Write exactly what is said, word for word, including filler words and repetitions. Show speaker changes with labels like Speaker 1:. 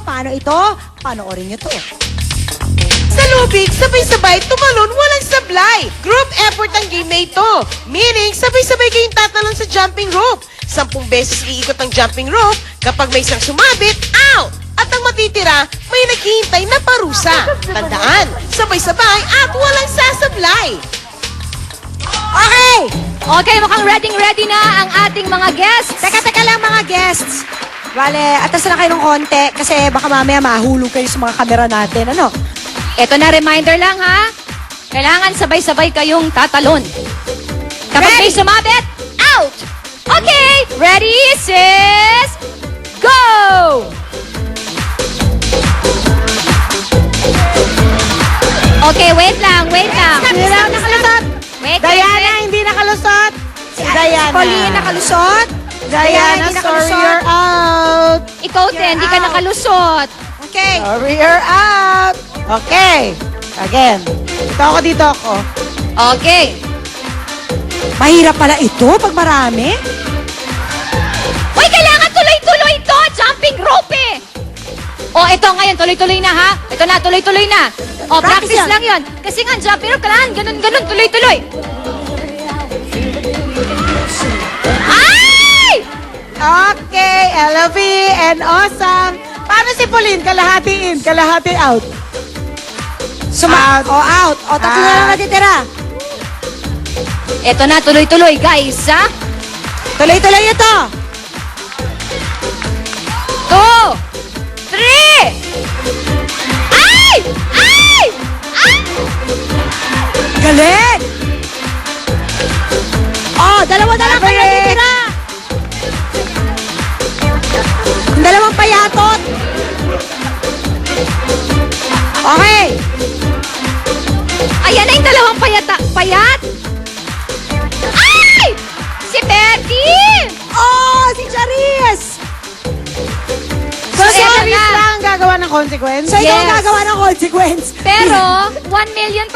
Speaker 1: Paano ito? Panoorin nyo to.
Speaker 2: Sa lubig, sabay-sabay, tumalon, walang sablay. Group effort ang game na ito. Meaning, sabay-sabay kayong tatalon sa jumping rope. Sampung beses iikot ang jumping rope. Kapag may isang sumabit, out! At ang matitira, may naghihintay na parusa. Tandaan, sabay-sabay at walang sasablay.
Speaker 1: Okay!
Speaker 3: Okay, mukhang ready-ready na ang ating mga guests.
Speaker 1: Teka, teka lang mga guests. Vale, atas na kayo ng konti kasi baka mamaya mahulog kayo sa mga kamera natin. Ano?
Speaker 3: Ito na, reminder lang ha. Kailangan sabay-sabay kayong tatalon. Kapag may
Speaker 1: Ready?
Speaker 3: sumabit, out! Okay, ready, sis, go! Okay, wait lang, wait lang.
Speaker 1: Sino lang nakalusot?
Speaker 3: Wait,
Speaker 1: Diana,
Speaker 3: wait, wait.
Speaker 1: hindi nakalusot. Si Diana.
Speaker 4: Pauline, nakalusot.
Speaker 1: Diana,
Speaker 4: hindi
Speaker 1: sorry,
Speaker 4: nakalusot.
Speaker 1: you're out.
Speaker 3: Ikaw din, hindi ka
Speaker 1: out.
Speaker 3: nakalusot.
Speaker 4: Okay.
Speaker 1: Sorry, you're out. Okay. Again. Dito ako, dito ako.
Speaker 3: Okay.
Speaker 1: Mahirap pala ito pag marami.
Speaker 3: Uy, kailangan tuloy-tuloy to! Jumping rope eh! O, ito ngayon, tuloy-tuloy na ha? Ito na, tuloy-tuloy na. O,
Speaker 1: Practice
Speaker 3: practice,
Speaker 1: yan.
Speaker 3: lang yon. Kasi nga, jumping rope, kailangan ganun-ganun, tuloy-tuloy. Ay!
Speaker 1: Okay, L V and awesome. Paano si Pauline? Kalahati in, kalahati out.
Speaker 4: Suma-
Speaker 1: Out.
Speaker 4: O, out. O, tatlo na lang
Speaker 1: Out.
Speaker 4: natitira.
Speaker 3: Ito na, tuloy-tuloy, guys, ha?
Speaker 1: Tuloy-tuloy ito.
Speaker 3: Two! Three! Ay! Ay! Ay!
Speaker 1: Galing!
Speaker 4: O, dalawa-dalawa pa
Speaker 1: Maverick.
Speaker 4: natitira.
Speaker 1: Ang dalawang payatot. Okay.
Speaker 3: Ayan na yung dalawang payata, payat! Ay! Si Betty!
Speaker 1: Oh, si Charis! So,
Speaker 3: So,
Speaker 1: si
Speaker 3: eto
Speaker 1: Charis
Speaker 3: na.
Speaker 1: lang ang gagawa ng consequence?
Speaker 4: So, ikaw ang
Speaker 3: Yes.
Speaker 4: gagawa ng consequence.
Speaker 3: Pero, one million